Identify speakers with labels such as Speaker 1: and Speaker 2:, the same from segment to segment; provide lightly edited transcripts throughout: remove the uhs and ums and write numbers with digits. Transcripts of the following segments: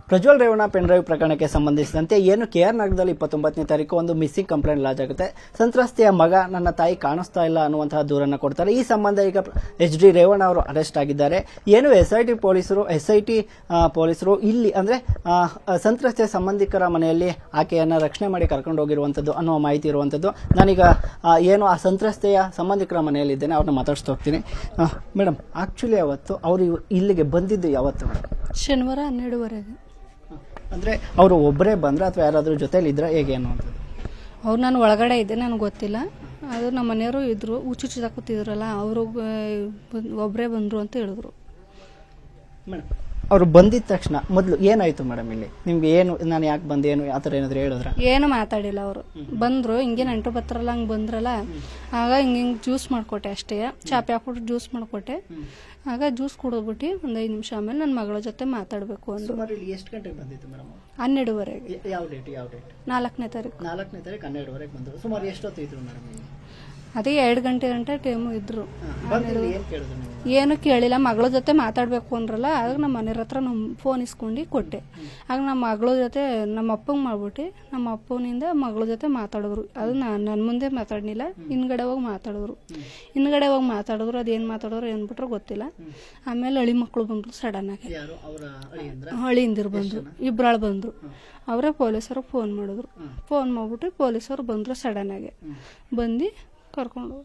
Speaker 1: Prajwal Revanna pen drive ಪ್ರಕರಣಕ್ಕೆ ಸಂಬಂಧಿಸಿದಂತೆ ಏನು ಕೆಆರ್ ನಗರದಲ್ಲಿ 29ನೇ ತಾರೀಕು ಒಂದು ಮಿಸ್ಸಿಂಗ್ ಕಂಪ್ಲೇಂಟ್ ಲಾಂಚ್ ಆಗುತ್ತೆ. ಸಂತ್ರಸ್ತೆಯ ಮಗ ನನ್ನ ತಾಯಿ ಕಾಣಿಸ್ತಾ ಇಲ್ಲ ಅನ್ನುವಂತಹ ದೂರನ್ನು ಕೊಡ್ತಾರೆ. ಈ ಸಂಬಂಧ ಈಗ ಎಚ್ ಡಿ ರೇವಣ್ಣ ಅವರು ಅರೆಸ್ಟ್ ಆಗಿದ್ದಾರೆ. ಏನು ಎಸ್ಐಟಿ ಪೊಲೀಸರು ಇಲ್ಲಿ ಅಂದ್ರೆ ಸಂತ್ರಸ್ತೆಯ ಸಂಬಂಧಿಕರ ಮನೆಯಲ್ಲಿ ಆಕೆಯನ್ನ ರಕ್ಷಣೆ ಮಾಡಿ ಕರ್ಕೊಂಡು ಹೋಗಿರುವಂತದ್ದು ಅನ್ನುವ ಮಾಹಿತಿ ಇರುವಂತದ್ದು. ನಾನೀಗ ಏನು ಆ ಸಂತ್ರಸ್ತೆಯ ಸಂಬಂಧಿಕರ ಮನೆಯಲ್ಲಿದ್ದೇನೆ, ಅವ್ರನ್ನ ಮಾತಾಡ್ಸ್ತಾ ಹೋಗ್ತೀನಿ. ಮೇಡಮ್, ಆಕ್ಚುಲಿ ಅವತ್ತು ಅವರು ಇಲ್ಲಿಗೆ ಬಂದಿದ್ದು ಯಾವತ್ತು?
Speaker 2: ಶನಿವಾರ 12:30.
Speaker 1: ಅಂದ್ರೆ ಅವರು ಒಬ್ಬರೇ ಬಂದ್ರೆ ಅಥವಾ ಯಾರಾದ್ರೂ ಜೊತೆಲಿ ಇದ್ರ ಹೇಗೆ ಅನ್ನುವಂಥದ್ದು?
Speaker 2: ಅವ್ರು ನಾನು ಒಳಗಡೆ ಇದ್ದೆ, ನನಗೆ ಗೊತ್ತಿಲ್ಲ. ಅದು ನಮ್ಮ ಮನೆಯವರು ಇದ್ರು, ಹುಚ್ಚುಚ್ಚಿದ ಕೂತಿದ್ರಲ್ಲ, ಅವರು ಒಬ್ಬರೇ ಬಂದ್ರು ಅಂತ ಹೇಳಿದ್ರು.
Speaker 1: ಮೇಡಮ್, ಅವರು ಬಂದಿದ ತಕ್ಷಣ ಮೊದಲು ಏನಾಯ್ತು ಮೇಡಮ್? ಇಲ್ಲಿ ನಿಮ್ಗೆ ಏನು, ನಾನು ಯಾಕೆ ಬಂದೆ, ಏನು ಆ ಥರ ಏನಾದ್ರು ಹೇಳಿದ್ರ?
Speaker 2: ಏನು ಮಾತಾಡಿಲ್ಲ. ಅವರು ಬಂದ್ರು, ಹಿಂಗೆ ನೆಂಟು ಬರ್ತಾರಲ್ಲ ಹಂಗೆ ಬಂದ್ರಲ್ಲ, ಆಗ ಹಿಂಗೆ ಜ್ಯೂಸ್ ಮಾಡ್ಕೊಟ್ಟೆ ಅಷ್ಟೇ. ಚಾಪೆ ಹಾಕ್ಬಿಟ್ಟು ಜ್ಯೂಸ್ ಮಾಡ್ಕೊಟ್ಟೆ. ಆಗ ಜ್ಯೂಸ್ ಕುಡಿದ್ಬಿಟ್ಟು ಒಂದು 5 ನಿಮಿಷ ಆಮೇಲೆ ನನ್ನ ಮಗಳ ಜೊತೆ ಮಾತಾಡಬೇಕು ಅಂದ್ರು.
Speaker 1: ಎಷ್ಟು ಗಂಟೆಗೆ ಬಂದಿತ್ತು ಮೇಡಮ್?
Speaker 2: 12:30.
Speaker 1: ಯಾವ ಡೇಟ್?
Speaker 2: 4ನೇ ತಾರೀಕು.
Speaker 1: 4ನೇ ತಾರೀಕು 12:30 ಬಂದರು. ಸುಮಾರು ಎಷ್ಟೊತ್ತು ಇದ್ರು ಮೇಡಮ್?
Speaker 2: ಅದೇ 2 ಗಂಟೆ ಟೈಮು ಇದ್ರು. ಏನು ಕೇಳಿಲ್ಲ. ಮಗಳ ಜೊತೆ ಮಾತಾಡ್ಬೇಕು ಅಂದ್ರಲ್ಲ, ಆಗ ನಮ್ಮ ಮನೆಯವ್ರ ಹತ್ರ ಫೋನ್ ಇಸ್ಕೊಂಡು ಕೊಟ್ಟೆ. ಆಗ ನಮ್ಮ ಮಗಳ ಜೊತೆ ನಮ್ಮ ಅಪ್ಪಂಗೆ ಮಾಡ್ಬಿಟ್ಟು ನಮ್ಮ ಅಪ್ಪನಿಂದ ಮಗಳ ಜೊತೆ ಮಾತಾಡಿದ್ರು. ಅದು ನನ್ನ ಮುಂದೆ ಮಾತಾಡ್ನಿಲ್ಲ, ಹಿಂದ್ಗಡೆ ಹೋಗಿ ಮಾತಾಡಿದ್ರು. ಅದೇನು ಮಾತಾಡೋರು ಏನ್ಬಿಟ್ರು ಗೊತ್ತಿಲ್ಲ. ಆಮೇಲೆ ಹಳಿ ಮಕ್ಕಳು ಬಂದ್ರು ಸಡನ್ ಆಗಿ. ಹಳಿಯಿಂದಿರು ಬಂದ್ರು, ಇಬ್ಬರಾಳು ಬಂದ್ರು. ಅವರೇ ಪೊಲೀಸರು ಫೋನ್ ಮಾಡಿದ್ರು. ಫೋನ್ ಮಾಡ್ಬಿಟ್ಟು ಪೊಲೀಸರು ಬಂದ್ರು ಸಡನ್ ಆಗಿ. ಬಂದು ಕರ್ಕೊಂಡು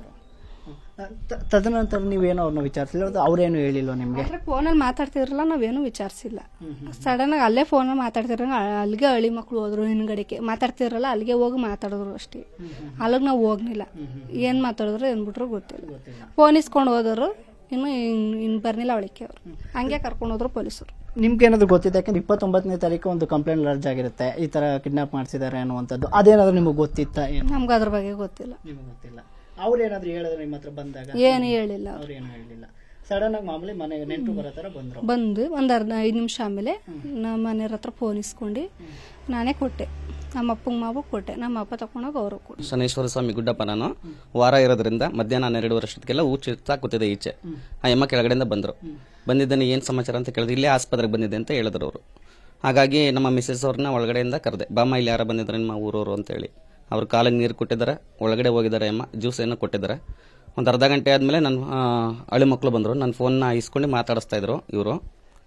Speaker 1: ತದನಂತರ ನೀವೇನೋ ಅವ್ರನ್ನ ವಿಚಾರಿಸಿಲ್ಲ, ಅವ್ರೇನು ಹೇಳಿಲ್ವ ನಿಮ್ಗೆ?
Speaker 2: ಫೋನಲ್ಲಿ ಮಾತಾಡ್ತಿದ್ರಲ್ಲ, ನಾವೇನು ವಿಚಾರಿಸಿಲ್ಲ. ಸಡನ್ ಆಗಿ ಅಲ್ಲೇ ಫೋನಲ್ಲಿ ಮಾತಾಡ್ತಿರ, ಅಲ್ಲಿಗೆ ಹಳಿ ಮಕ್ಳು ಹೋದ್ರು. ಹಿಂದ್ಗಡೆಗೆ ಮಾತಾಡ್ತಿರಲ್ಲ, ಅಲ್ಲಿಗೆ ಹೋಗಿ ಮಾತಾಡಿದ್ರು ಅಷ್ಟೇ. ಅಲ್ಲಿಗೆ ನಾವು ಹೋಗ್ನಿಲ್ಲ. ಏನ್ ಮಾತಾಡಿದ್ರು ಏನ್ಬಿಟ್ರು ಗೊತ್ತಿಲ್ಲ. ಫೋನ್ ಇಸ್ಕೊಂಡು ಹೋದರು. ಇನ್ನು ಬರ್ನಿಲ್ಲ ಅವಳಿಕೆ. ಅವ್ರು ಹಂಗೆ ಕರ್ಕೊಂಡು ಹೋದ್ರು ಪೊಲೀಸರು.
Speaker 1: ನಿಮ್ಗೆ ಏನಾದ್ರು ಗೊತ್ತಿದೆ? ಯಾಕಂದ್ರೆ 29ನೇ ತಾರೀಕು ಒಂದು ಕಂಪ್ಲೇಂಟ್ ಲಾಂಚ್ ಆಗಿರುತ್ತೆ, ಈ ತರ ಕಿಡ್ನಾಪ್ ಮಾಡಿಸಿದ್ದಾರೆ ಅನ್ನುವಂಥದ್ದು. ಅದೇನಾದ್ರು ನಿಮ್ಗೆ ಗೊತ್ತಿತ್ತ?
Speaker 2: ನಮ್ಗೆ ಅದ್ರ ಬಗ್ಗೆ ಗೊತ್ತಿಲ್ಲ.
Speaker 1: ನಿಮ್ಗೆ ಗೊತ್ತಿಲ್ಲ. ಅವ್ರು ಏನಾದ್ರು ಹೇಳಿದ್ರೆ ನಿಮ್ಮ ಹತ್ರ ಬಂದಾಗ?
Speaker 2: ಏನು ಹೇಳಿಲ್ಲ.
Speaker 1: ಅವ್ರು ಏನು ಹೇಳಿಲ್ಲ. ಸಡನ್ ಆಗಿ ಮಾಮೂಲಿ ಮನೆಗೆ ನೆಂಟು ಬರೋ ತರ ಬಂದ್ರು.
Speaker 2: ಬಂದು ಒಂದ್ 5 ನಿಮಿಷ ಆಮೇಲೆ ನಮ್ಮ ಮನೆಯವ್ರ ಹತ್ರ ಫೋನ್ ಇಸ್ಕೊಂಡು ನಾನೇ ಕೊಟ್ಟೆ. ನಮ್ಮ ಅಪ್ಪಂಗೆ ಮಾಡ್ಬಿಟ್ಟು ಕೊಟ್ಟೆ. ನಮ್ಮ ಅಪ್ಪ ತಕೊಂಡೋಗಿ ಅವರು ಕೊಟ್ಟೆ.
Speaker 3: ಶನೇಶ್ವರ ಸ್ವಾಮಿ ಗುಡ್ಡಪ್ಪ ನಾನು ವಾರ ಇರೋದ್ರಿಂದ ಮಧ್ಯಾಹ್ನ 12 ವರ್ಷಕ್ಕೆಲ್ಲ ಊಟ ಕೂತಿದೆ ಈಚೆ. ಆ ಅಮ್ಮ ಕೆಳಗಡೆಯಿಂದ ಬಂದರು. ಬಂದಿದ್ದೇನೆ, ಏನು ಸಮಾಚಾರ ಅಂತ ಕೇಳಿದ್ರು. ಇಲ್ಲೇ ಆಸ್ಪತ್ರೆಗೆ ಬಂದಿದೆ ಅಂತ ಹೇಳಿದ್ರು ಅವರು. ಹಾಗಾಗಿ ನಮ್ಮ ಮಿಸ್ಸಸ್ ಅವ್ರನ್ನ ಒಳಗಡೆಯಿಂದ ಕರೆದೆ. ಬಾಮ್ಮ, ಇಲ್ಲಿ ಯಾರ ಬಂದಿದ್ದಾರೆ ನಿಮ್ಮ ಊರವರು ಅಂತೇಳಿ. ಅವ್ರು ಕಾಲಿಗೆ ನೀರು ಕೊಟ್ಟಿದ್ದಾರೆ, ಒಳಗಡೆ ಹೋಗಿದ್ದಾರೆ. ಅಮ್ಮ ಜ್ಯೂಸ್ ಏನೋ ಕೊಟ್ಟಿದ್ದಾರೆ. ಒಂದು ಅರ್ಧ ಗಂಟೆ ಆದಮೇಲೆ ನನ್ನ ಹಳಿ ಮಕ್ಕಳು ಬಂದರು. ನನ್ನ ಫೋನ್ನ ಇಸ್ಕೊಂಡು ಮಾತಾಡಿಸ್ತಾ ಇದ್ರು ಇವರು.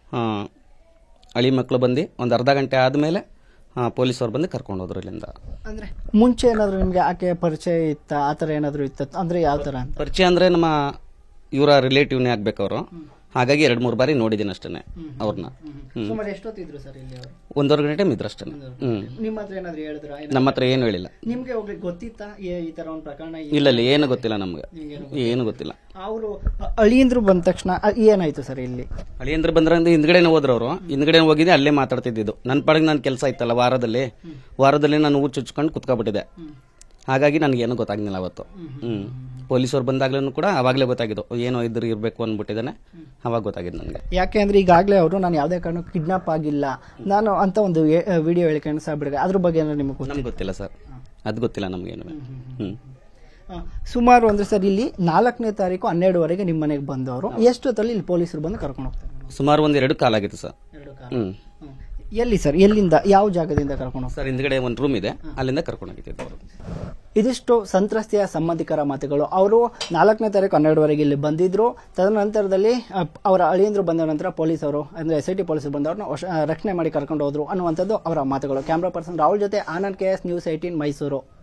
Speaker 3: ಹಳಿ ಮಕ್ಕಳು ಬಂದು ಒಂದು ಅರ್ಧ ಗಂಟೆ ಆದಮೇಲೆ ಪೊಲೀಸವ್ರು ಬಂದು ಕರ್ಕೊಂಡು ಹೋದ್ರು ಇಲ್ಲಿಂದ.
Speaker 1: ಅಂದ್ರೆ ಮುಂಚೆ ಏನಾದ್ರು ನಿಮ್ಗೆ ಆಕೆ ಪರಿಚಯ ಇತ್ತ, ಆತರ ಏನಾದ್ರು ಇತ್ತ? ಅಂದ್ರೆ ಯಾವ ತರ
Speaker 3: ಪರಿಚಯ ಅಂದ್ರೆ ನಮ್ಮ ಇವರ ರಿಲೇಟಿವ್ನೇ ಆಗ್ಬೇಕು ಅವರು. ಹಾಗಾಗಿ 2-3 ಬಾರಿ ನೋಡಿದ್ದೀನಿ ಅಷ್ಟೇ ಅವ್ರನ್ನ.
Speaker 1: ಎಷ್ಟೊತ್ತಿದ್ರು ಸರ್ ಇಲ್ಲಿ?
Speaker 3: 1.5 ಗಂಟೆ ಇದ್ರು ಅಷ್ಟೇ.
Speaker 1: ನಿಮ್ಮ ಹತ್ರ ಏನಾದ್ರು ಹೇಳಿದ್ರ?
Speaker 3: ನಮ್ಮ ಹತ್ರ ಏನು ಹೇಳಿಲ್ಲ.
Speaker 1: ನಿಮ್ಗೆ ಗೊತ್ತಿತ್ತ ಈ ತರ ಒಂದು ಪ್ರಕರಣ?
Speaker 3: ಇಲ್ಲ, ಏನು ಗೊತ್ತಿಲ್ಲ ನಮ್ಗೆ, ಏನು ಗೊತ್ತಿಲ್ಲ.
Speaker 1: ಅವರು ಅಳಿಯಂದ್ರು ಬಂದ ತಕ್ಷಣ ಏನಾಯ್ತು ಸರ್ ಇಲ್ಲಿ?
Speaker 3: ಅಳಿಯಂದ್ರು ಬಂದ್ರೆ ಹಿಂದ್ಗಡೆನೆ ಹೋದ್ರು ಅವರು. ಹಿಂದ್ಗಡೆ ಹೋಗಿದ್ದೆ, ಅಲ್ಲೇ ಮಾತಾಡ್ತಿದ್ದು. ನನ್ನ ಪಾಡಿಗೆ ನನ್ನ ಕೆಲಸ ಇತ್ತಲ್ಲ, ವಾರದಲ್ಲಿ ನಾನು ಚುಚ್ಕೊಂಡು ಕುತ್ಕೊಬಿಟ್ಟಿದೆ. ಹಾಗಾಗಿ ನನಗೇನು ಗೊತ್ತಾಗ್ಲಿಲ್ಲ ಅವತ್ತು. ಪೊಲೀಸರು ಬಂದಾಗ್ಲೂ ಕೂಡ ಅವಾಗಲೇ ಗೊತ್ತಾಗಿದ್ದು, ಏನೋ ಇರ್ಬೇಕು ಅಂದ್ಬಿಟ್ಟಿದ್ದಾನೆ. ಅವಾಗ ಗೊತ್ತಾಗಿದ್ದು ನನಗೆ. ಯಾಕೆ
Speaker 1: ಅಂದ್ರೆ ಈಗಾಗಲೇ ಅವರು ನಾನು ಯಾವುದೇ ಕಾರಣಕ್ಕೂ ಕಿಡ್ನಾಪ್ ಆಗಿಲ್ಲ ನಾನು ಅಂತ ಒಂದು ವಿಡಿಯೋ ಹೇಳಿಕೊಂಡು ಸಾಬಿಡಿಗೆ, ಅದ್ರ ಬಗ್ಗೆ
Speaker 3: ನಮ್ಗೆ ಗೊತ್ತಿಲ್ಲ ಸರ್, ಅದು ಗೊತ್ತಿಲ್ಲ ನಮ್ಗೇನು.
Speaker 1: ಸುಮಾರು ಅಂದ್ರೆ ಸರ್ ಇಲ್ಲಿ 4ನೇ ತಾರೀಕು 12:30 ನಿಮ್ಮ ಮನೆಗೆ ಬಂದವರು. ಎಷ್ಟೊತ್ತಲ್ಲಿ ಇಲ್ಲಿ ಪೊಲೀಸರು ಬಂದು ಕರ್ಕೊಂಡು ಹೋಗ್ತಾರೆ?
Speaker 3: ಸುಮಾರು 1-2 ಕಾಲ ಆಗಿತ್ತು ಸರ್.
Speaker 1: ಎಲ್ಲಿ ಸರ್, ಎಲ್ಲಿಂದ, ಯಾವ ಜಾಗದಿಂದ ಕರ್ಕೊಂಡು ಹೋಗ್ತಾರೆ?
Speaker 3: ಸರ್ ಹಿಂದ್ಗಡೆ ಒಂದು ರೂಮ್ ಇದೆ, ಅಲ್ಲಿಂದ ಕರ್ಕೊಂಡು ಹೋಗಿದ್ದು ಅವರು.
Speaker 1: ಇದಿಷ್ಟು ಸಂತ್ರಸ್ತೆಯ ಸಂಬಂಧಿಕರ ಮಾತುಗಳು. ಅವರು 4ನೇ ತಾರೀಕು 12:30 ಇಲ್ಲಿ ಬಂದಿದ್ರು. ತದನಂತರದಲ್ಲಿ ಅವರ ಅಳಿಯಂದ್ರು ಬಂದ ನಂತರ ಪೊಲೀಸರು ಅಂದ್ರೆ ಎಸ್ಐಟಿ ಪೊಲೀಸರು ಬಂದವ್ರನ್ನ ರಕ್ಷಣೆ ಮಾಡಿ ಕರ್ಕೊಂಡು ಹೋದ್ರು ಅನ್ನುವಂಥದ್ದು ಅವರ ಮಾತುಗಳು. ಕ್ಯಾಮ್ರಾ ಪರ್ಸನ್ ರಾಹುಲ್ ಜೊತೆ ಆನಂದ್ KS, News 18 ಮೈಸೂರು.